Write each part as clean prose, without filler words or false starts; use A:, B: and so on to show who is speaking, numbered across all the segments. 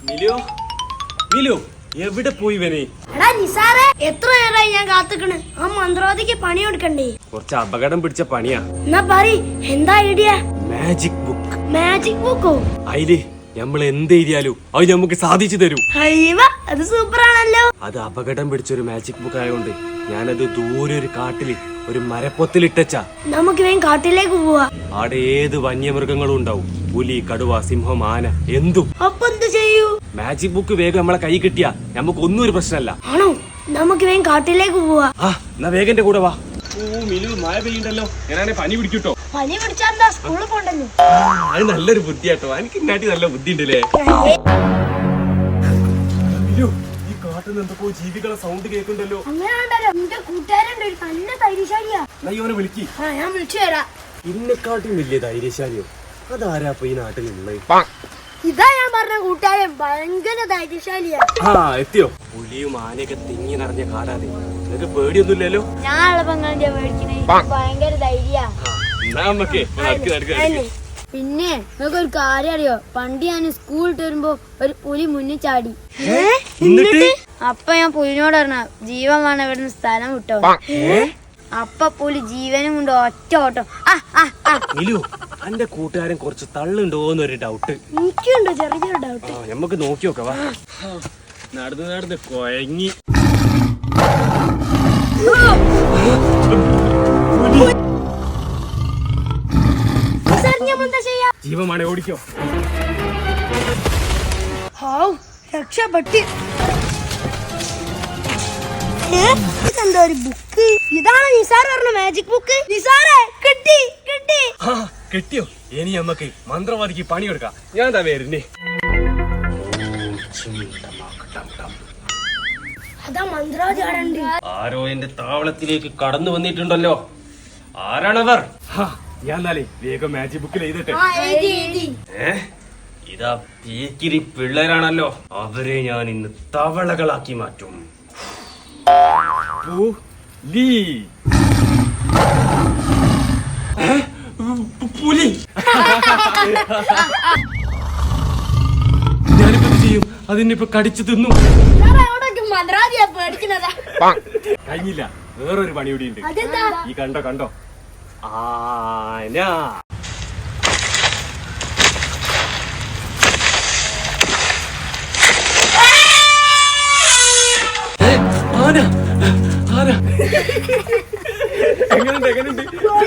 A: മിലു മിലു എവിടെ പോയി വനെ?
B: എടാ നിസാറെ, എത്ര നേരമായി ഞാൻ കാത്തുക്കണ്. ആ മന്ത്രവാദിക്ക് പണി കൊടുക്കണ്ടേ?
A: കുറച്ച് അപകടം പിടിച്ച പണിയാ.
B: എന്നാ പറ, എന്താ ഐഡിയ?
A: Magic book.
B: മാജിക് ബുക്കോ?
A: അതില് നമ്മൾ എന്ത് എഴുതിയാലും അത് നമുക്ക് സാധിച്ചു തരും.
B: അയ്യവ, അത് സൂപ്പർ ആണല്ലോ.
A: അത് അപകടം പിടിച്ചൊരു മാജിക് ബുക്ക് ആയതുകൊണ്ട് ഞാനത് ദൂരെ ഒരു കാട്ടില് ഒരു മരപ്പൊത്തിലിട്ടച്ചാ.
B: നമുക്ക് വേഗം കാട്ടിലേക്ക് പോവാ.
A: അവിടെ ഏത് വന്യമൃഗങ്ങളും ഉണ്ടാവും. പുലി, കടുവ, സിംഹം, ആന, എന്തും.
B: അപ്പൊ എന്ത് ചെയ്യൂ?
A: മാജിക് ബുക്ക് വേഗം നമ്മളെ കൈ കിട്ടിയാ നമുക്ക് ഒന്നും ഒരു പ്രശ്നമല്ല.
B: ആണോ? നമുക്ക് വേഗം കാട്ടിലേക്ക് പോവാ.
A: ആ എന്നാ വേഗന്റെ കൂടെ വാ. ഓ മിലു, മഴ പെയ്യണ്ടല്ലോ. ഞാനാണെ പനി പിടിക്കൂട്ടോ.
B: പനി പിടിച്ചാ എന്താ, സ്കൂളിൽ പോണ്ടല്ലോ.
A: അത് നല്ലൊരു ബുദ്ധിയാട്ടോ. എനിക്ക് ഇന്നാട്ടി നല്ല ബുദ്ധി ഉണ്ടല്ലേ. മിലു, ഈ കാട്ടിൽ നിന്ന് എന്തൊക്കെ ജീവികളെ സൗണ്ട് കേൾക്കുന്നുണ്ടല്ലോ.
B: അങ്ങനെയാണ്ടല്ലോ, എന്റെ കൂട്ടുകാരുണ്ട് ഒരു നല്ല ധൈര്യശാലിയാ.
A: നയ്യോനെ വിളിക്ക്.
B: ഞാൻ വിളിച്ചു തരാം.
A: ഇന്നെക്കാട്ടും വലിയ ധൈര്യശാലിയോ? അതാരാ ഈ നാട്ടിലുള്ളത്?
B: ഇതാ ഞാൻ പറഞ്ഞ കൂട്ടുകാരൻ, ഭയങ്കര ധൈര്യശാലിയാ.
A: ആ എത്തിയോ? പുലിയും ആനയൊക്കെ തിങ്ങി നിറഞ്ഞ കാടാതെ. നിനക്ക് പേടിയൊന്നുമില്ലല്ലോ?
B: ഞാൻ ഭയങ്കര ധൈര്യ. പിന്നെ നിങ്ങൾക്ക് ഒരു കാര്യം അറിയോ? പണ്ട് ഞാൻ സ്കൂളിൽ വരുമ്പോ ഒരു പുലി മുന്നിൽ ചാടി. അപ്പൊ ഞാൻ പുലിനോട് പറഞ്ഞ ജീവൻ വേണം ഇവിടുന്ന് സ്ഥലം വിട്ടോ. അപ്പൊ പുലി ജീവനും കൊണ്ട് ഒറ്റ ഓട്ടം.
A: എന്റെ കൂട്ടുകാരൻ കുറച്ച് തള്ളുണ്ടോന്നൊരു ഡൗട്ട്.
B: എനിക്കുണ്ടോ ചെറിയൊരു ഡൗട്ട്.
A: നമുക്ക് നോക്കി നോക്കാം. നടന്ന് നടന്ന് കൊയങ്ങി. ജീവമാണ്, ഓടിക്കോ.
B: രക്ഷപ്പെട്ടി. ഇതെന്താ ഒരു ബുക്ക്? ഇതാണ് നിസാർ പറഞ്ഞ മാജിക് ബുക്ക്. നിസാറെ, കിട്ടി കിട്ടി.
A: കിട്ടിയോ? ഇനി നമുക്ക് മന്ത്രവാദിക്ക് പണി കൊടുക്കാം. ഞാൻ എന്താ വരുന്നേ?
B: അതാ മന്ത്രവാദി ആടണ്ട്.
A: ആരോ എന്റെ താവളത്തിലേക്ക് കടന്നു വന്നിട്ടുണ്ടല്ലോ. ആരാണവർ? ഞാൻ എന്നാലേ വേഗം മാജിക് ബുക്കിൽ എഴുതട്ടെ. ഇതാ പീക്കിരി പിള്ളേരാണല്ലോ. അവരെ ഞാൻ ഇന്ന് തവളകളാക്കി മാറ്റും. പുലി. ഞാനിപ്പോ എന്ത് ചെയ്യും? അതിനിപ്പോ കടിച്ചു തിന്നു. കഴിഞ്ഞില്ല, വേറൊരു പണി കൂടി ഉണ്ട്. ഈ കണ്ടോ കണ്ടോ? ആന. ആന ആന. എങ്ങനുണ്ട് എങ്ങനുണ്ട്?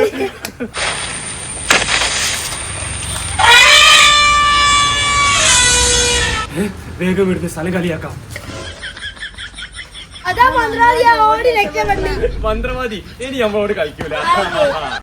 A: വേഗം ഇവിടുന്ന് സ്ഥലം കളിയാക്കാം.
B: മന്ത്രവാദി ഇനി നമ്മളോട് കളിക്കൂല.